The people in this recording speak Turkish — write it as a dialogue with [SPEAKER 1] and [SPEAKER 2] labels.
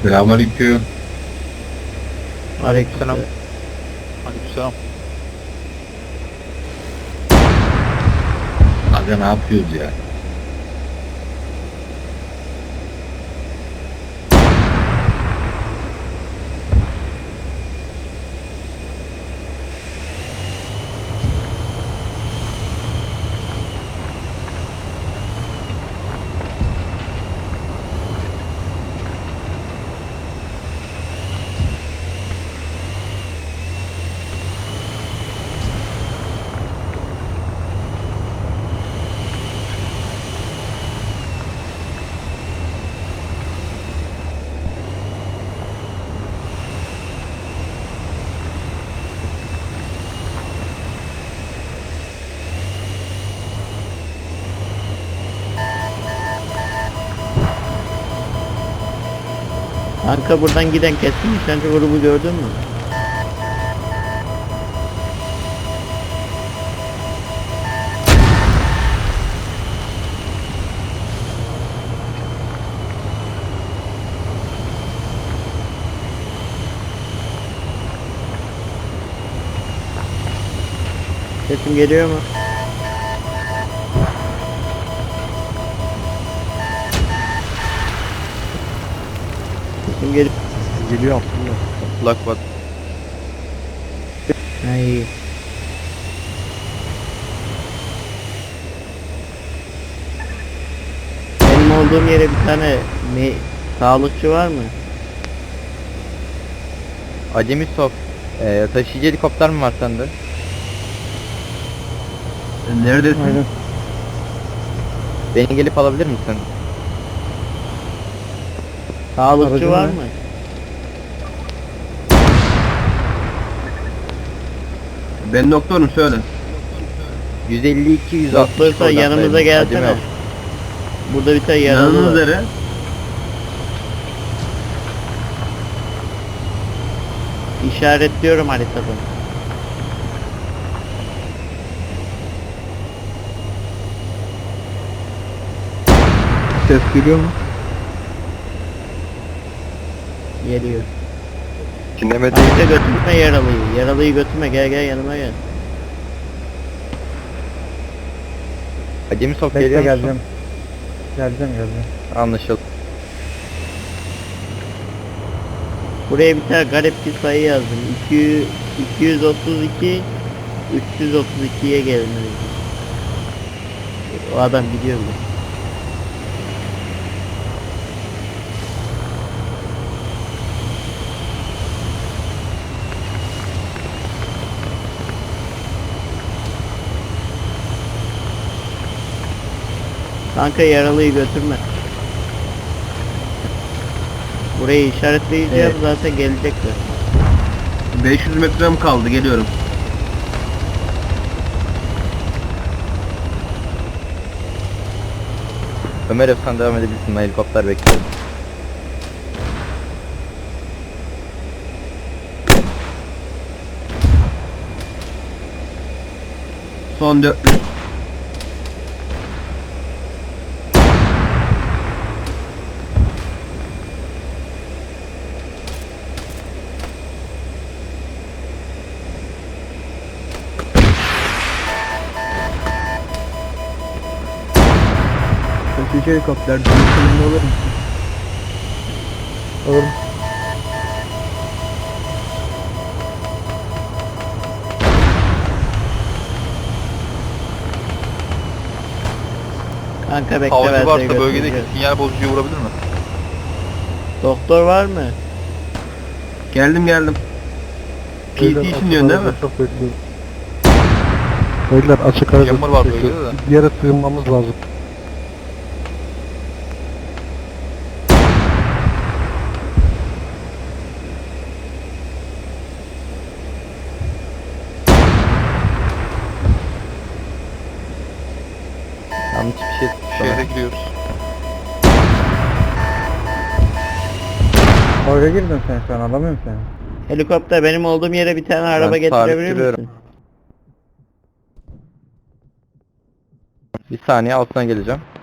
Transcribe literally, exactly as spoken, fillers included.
[SPEAKER 1] Selamünaleyküm.
[SPEAKER 2] Aleykümselam.
[SPEAKER 3] Aleykümselam.
[SPEAKER 1] Aga ne yapıyoruz ya?
[SPEAKER 2] Kanka buradan giden keskin nişancı grubu gördün mü? Sesim geliyor mu? Sesim geliyor.
[SPEAKER 3] Geliyor aslında. Kulak bak.
[SPEAKER 2] Ha iyi. Benim olduğum yere bir tane me sağlıkçı var mı?
[SPEAKER 3] Acemi Sof. Ee, taşıyıcı helikopter mi var sende?
[SPEAKER 1] Neredesin?
[SPEAKER 4] Aynen.
[SPEAKER 3] Beni gelip alabilir misin?
[SPEAKER 2] Sağlıkçı
[SPEAKER 4] Aracın
[SPEAKER 2] var
[SPEAKER 4] ne?
[SPEAKER 2] mı?
[SPEAKER 1] Ben doktorum söyle.
[SPEAKER 3] yüz elli iki yüz altmış.
[SPEAKER 2] Doktorsa yanımıza gelsene. Burada bir tane yaralı
[SPEAKER 1] Yanınız
[SPEAKER 2] var.
[SPEAKER 1] nere?
[SPEAKER 2] İşaretliyorum haritada.
[SPEAKER 4] Ses geliyor mu?
[SPEAKER 2] Geliyor.
[SPEAKER 3] Dinlemedi.
[SPEAKER 2] Harita götürme yaralıyı. Yaralıyı götürme, gel gel yanıma gel.
[SPEAKER 3] Acemi Sof
[SPEAKER 4] Bekle
[SPEAKER 3] geliyor musun?
[SPEAKER 4] geleceğim. Geleceğim geleceğim.
[SPEAKER 3] Anlaşıldı.
[SPEAKER 2] Buraya bir tane garip bir sayı yazdım. iki yüz, iki yüz otuz iki üç yüz otuz ikiye gelmeli. O adam gidiyor mu? Kanka yaralıyı götürme. Burayı işaretleyeceğim,
[SPEAKER 1] Evet.
[SPEAKER 2] zaten gelecekler.
[SPEAKER 1] beş yüz metrem kaldı, geliyorum.
[SPEAKER 3] Ömer Efsan devam edebilirsin. Ben helikopter bekliyorum.
[SPEAKER 1] Son dört yüz.
[SPEAKER 4] Taşıyıcı helikopter. Dönüşümünde olur musun? Olur.
[SPEAKER 2] Kanka bekle,
[SPEAKER 5] Havacı
[SPEAKER 2] ben seni
[SPEAKER 5] varsa bölgedeki
[SPEAKER 2] götüreceğim.
[SPEAKER 5] sinyal bozucuyu vurabilir mi?
[SPEAKER 2] Doktor var mı?
[SPEAKER 1] Geldim geldim. P C için diyorsun değil mi?
[SPEAKER 4] Çok bekliyorum. Beyler açık arada
[SPEAKER 5] Yağmur var
[SPEAKER 4] bekliyor.
[SPEAKER 5] bölgede de.
[SPEAKER 4] Bir yere sığınmamız lazım.
[SPEAKER 3] Yanlış bir şey.
[SPEAKER 5] Şehre giriyoruz.
[SPEAKER 4] Oraya girdin sen şu an, alamıyorum seni.
[SPEAKER 2] Helikopter, benim olduğum yere bir tane araba getirebilir
[SPEAKER 3] sabitleniyorum.
[SPEAKER 2] misin?
[SPEAKER 3] Bir saniye altına geleceğim.